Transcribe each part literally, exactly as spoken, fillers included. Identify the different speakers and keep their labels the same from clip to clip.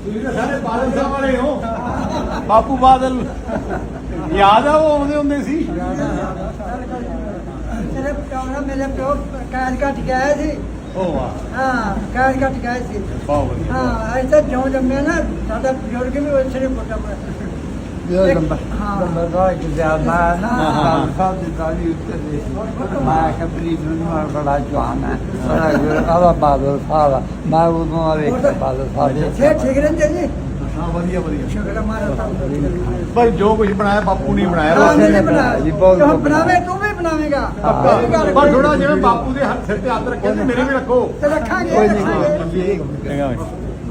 Speaker 1: ਤੁਸੀਂ ਤਾਂ ਸਾਰੇ ਬਾਦਲ ਸਾਹਿਬ ਵਾਲੇ ਹੋ। ਬਾਪੂ ਬਾਦਲ ਯਾਦ ਆ, ਉਹ ਆਉਂਦੇ ਹੁੰਦੇ ਸੀ।
Speaker 2: ਤੇਰੇ ਪਿਓ ਨਾਲ ਮੇਰੇ ਪਿਓ ਕਾਜ ਘਟ ਗਿਆ ਸੀ।
Speaker 1: ਉਹ ਵਾਹ,
Speaker 2: ਹਾਂ ਕਾਜ ਘਟ ਗਿਆ ਸੀ।
Speaker 1: ਬਹੁਤ ਵਧੀਆ।
Speaker 2: ਹਾਂ ਅਸੀਂ ਤਾਂ ਜਿਉਂ ਜੰਮਿਆ ਨਾ ਸਾਡਾ ਬਜ਼ੁਰਗ ਵੀ ਉਸੇ ਨੇ ਪੁੱਟਾ
Speaker 3: Yo number right is out there now. How did I use this? My complete number Joanna. Other father, father. My would not father, father.
Speaker 2: ਠੀਕ ਠੀਕ ਰਹਿੰਦੇ ਜੀ।
Speaker 1: ਹਾਂ ਵਧੀਆ ਵਧੀਆ।
Speaker 2: ਸ਼ੁਕਰ ਹੈ ਮਾਰਾ ਸਾਹਿਬ।
Speaker 1: ਭਾਈ ਜੋ ਕੁਝ ਬਣਾਇਆ ਬਾਪੂ ਨੇ ਬਣਾਇਆ।
Speaker 2: ਹਾਂ ਨਹੀਂ ਬਣਾਇਆ। ਤੂੰ ਬਣਾਵੇ ਤੂੰ ਵੀ ਬਣਾਵੇਂਗਾ।
Speaker 1: ਪਰ ਥੋੜਾ ਜਿਵੇਂ ਬਾਪੂ ਦੇ ਹੱਥ ਸਿਰ ਤੇ ਹੱਥ ਰੱਖਿਆ ਤੇ ਮੇਰੇ ਵੀ ਰੱਖੋ।
Speaker 2: ਤੇ ਰੱਖਾਂਗੇ।
Speaker 3: ਕੋਈ ਨਹੀਂ।
Speaker 1: ਚੰਗਾ ਭਾਈ।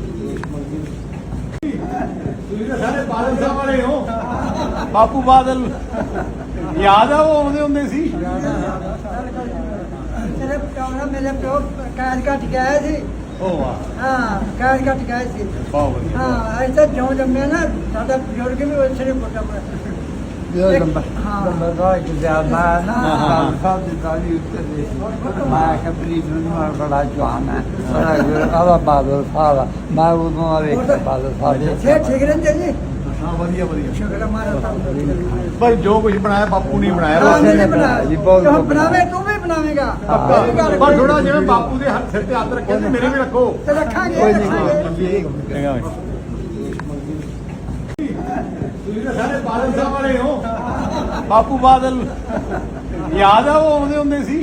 Speaker 1: ਤੁਸੀਂ ਤਾਂ ਸਾਰੇ ਬਾਦਲ ਸਾਹਿਬ ਵਾਲੇ ਹੋ। ਬਾਪੂ ਬਾਦਲ ਯਾਦ ਆ, ਉਹ ਆਉਂਦੇ ਹੁੰਦੇ ਸੀ।
Speaker 2: ਤੇਰੇ ਪਿਓ ਨਾਲ ਮੇਰੇ ਪਿਓ ਕਾਜ ਘਟ ਗਿਆ ਸੀ।
Speaker 1: ਉਹ ਵਾਹ,
Speaker 2: ਹਾਂ ਕਾਜ ਘਟ ਗਿਆ ਸੀ।
Speaker 1: ਬਹੁਤ ਵਧੀਆ।
Speaker 2: ਹਾਂ ਅਸੀਂ ਤਾਂ ਜਿਉਂ ਜੰਮਿਆ ਨਾ ਸਾਡਾ ਬਜ਼ੁਰਗ ਵੀ ਉਸੇ ਨੇ ਪੁੱਟਾ
Speaker 3: Yo number number right is out there now. How did I use this? My complete number Joanna. Other father, father. My would not father, father.
Speaker 2: ਠੀਕ ਠੀਕ ਰਹਿੰਦੇ ਜੀ।
Speaker 1: ਹਾਂ ਵਧੀਆ ਵਧੀਆ।
Speaker 2: ਸ਼ੁਕਰ ਹੈ ਮਾਰਾ ਸਾਹਿਬ।
Speaker 1: ਭਾਈ ਜੋ ਕੁਝ ਬਣਾਇਆ ਬਾਪੂ ਨੇ ਬਣਾਇਆ।
Speaker 2: ਹਾਂ ਨਹੀਂ ਬਣਾਇਆ। ਤੂੰ ਬਣਾਵੇ ਤੂੰ ਵੀ ਬਣਾਵੇਂਗਾ।
Speaker 1: ਪਰ ਥੋੜਾ ਜਿਵੇਂ ਬਾਪੂ ਦੇ ਹੱਥ ਸਿਰ ਤੇ ਹੱਥ ਰੱਖਿਆ ਤੇ ਮੇਰੇ ਵੀ ਰੱਖੋ।
Speaker 2: ਤੇ ਰੱਖਾਂਗੇ।
Speaker 3: ਕੋਈ ਨਹੀਂ।
Speaker 1: ਚੰਗਾ ਭਾਈ। ਤੁਸੀਂ ਤਾਂ ਸਾਰੇ ਬਾਦਲ ਸਾਹਿਬ ਵਾਲੇ ਹੋ। ਬਾਪੂ ਬਾਦਲ ਯਾਦ ਆ, ਉਹ ਆਉਂਦੇ ਹੁੰਦੇ ਸੀ।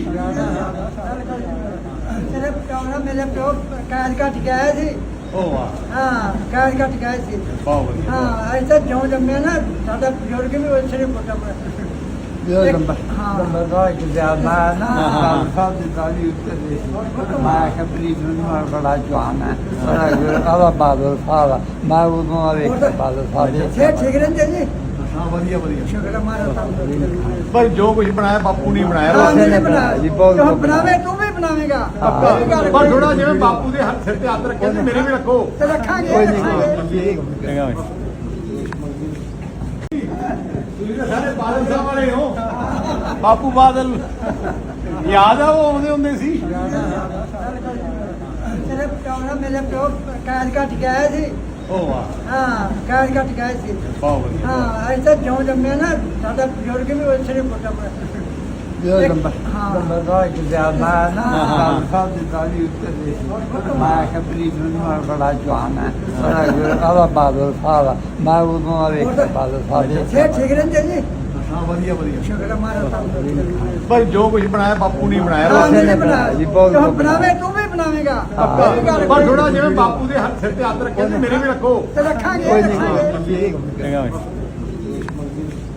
Speaker 2: ਤੇਰੇ ਪਿਓ ਨਾਲ ਮੇਰੇ ਪਿਓ ਕਾਜ ਘਟ ਗਿਆ ਸੀ।
Speaker 1: ਉਹ ਵਾਹ,
Speaker 2: ਹਾਂ ਕਾਜ ਘਟ ਗਿਆ ਸੀ।
Speaker 1: ਬਹੁਤ ਵਧੀਆ।
Speaker 2: ਹਾਂ ਅਸੀਂ ਤਾਂ ਜਿਉਂ ਜੰਮਿਆ ਨਾ ਸਾਡਾ ਬਜ਼ੁਰਗ ਵੀ ਉਸੇ ਨੇ ਪੁੱਟਾ
Speaker 3: Yo number number right is out there now. How did I use this? My complete number Joanna. Other father, father. My would not father, father.
Speaker 2: ਠੀਕ ਠੀਕ ਰਹਿੰਦੇ ਜੀ।
Speaker 1: ਹਾਂ ਵਧੀਆ ਵਧੀਆ।
Speaker 2: ਸ਼ੁਕਰ ਹੈ ਮਾਰਾ ਸਾਹਿਬ।
Speaker 1: ਭਾਈ ਜੋ ਕੁਝ ਬਣਾਇਆ ਬਾਪੂ ਨੇ ਬਣਾਇਆ।
Speaker 2: ਹਾਂ ਨਹੀਂ ਬਣਾਇਆ। ਤੂੰ ਬਣਾਵੇ ਤੂੰ ਵੀ ਬਣਾਵੇਂਗਾ।
Speaker 1: ਪਰ ਥੋੜਾ ਜਿਵੇਂ ਬਾਪੂ ਦੇ ਹੱਥ ਸਿਰ ਤੇ ਹੱਥ ਰੱਖਿਆ ਤੇ ਮੇਰੇ ਵੀ ਰੱਖੋ।
Speaker 2: ਤੇ ਰੱਖਾਂਗੇ।
Speaker 3: ਕੋਈ ਨਹੀਂ।
Speaker 1: ਚੰਗਾ ਭਾਈ। ਤੁਸੀਂ ਤਾਂ ਸਾਰੇ ਬਾਦਲ ਸਾਹਿਬ ਵਾਲੇ ਹੋ। ਬਾਪੂ ਬਾਦਲ ਯਾਦ ਆ, ਉਹ ਆਉਂਦੇ ਹੁੰਦੇ ਸੀ।
Speaker 2: ਤੇਰੇ ਪਿਓ ਨਾਲ ਮੇਰੇ ਪਿਓ ਕਾਜ ਘਟ ਗਿਆ ਸੀ।
Speaker 1: ਉਹ ਵਾਹ,
Speaker 2: ਹਾਂ ਕਾਜ ਘਟ ਗਿਆ ਸੀ।
Speaker 1: ਬਹੁਤ ਵਧੀਆ।
Speaker 2: ਹਾਂ ਅਸੀਂ ਤਾਂ ਜਿਉਂ ਜੰਮਿਆ ਨਾ ਸਾਡਾ ਬਜ਼ੁਰਗ ਵੀ ਉਸੇ ਨੇ ਪੁੱਟਾ
Speaker 3: Yo number number right is out there now. How did I use this? My complete number Joanna. Other father, father. My would not father, father.
Speaker 2: ਠੀਕ ਠੀਕ ਰਹਿੰਦੇ ਜੀ।
Speaker 1: ਹਾਂ ਵਧੀਆ ਵਧੀਆ।
Speaker 2: ਸ਼ੁਕਰ ਹੈ ਮਾਰਾ ਸਾਹਿਬ।
Speaker 1: ਭਾਈ ਜੋ ਕੁਝ ਬਣਾਇਆ ਬਾਪੂ ਨੇ ਬਣਾਇਆ।
Speaker 2: ਹਾਂ ਨਹੀਂ ਬਣਾਇਆ। ਤੂੰ ਬਣਾਵੇ ਤੂੰ ਵੀ ਬਣਾਵੇਂਗਾ।
Speaker 1: ਪਰ ਥੋੜਾ ਜਿਵੇਂ ਬਾਪੂ ਦੇ ਹੱਥ ਸਿਰ ਤੇ ਹੱਥ ਰੱਖਿਆ ਤੇ ਮੇਰੇ ਵੀ ਰੱਖੋ।
Speaker 2: ਤੇ ਰੱਖਾਂਗੇ।
Speaker 3: ਕੋਈ ਨਹੀਂ।
Speaker 1: ਚੰਗਾ ਭਾਈ।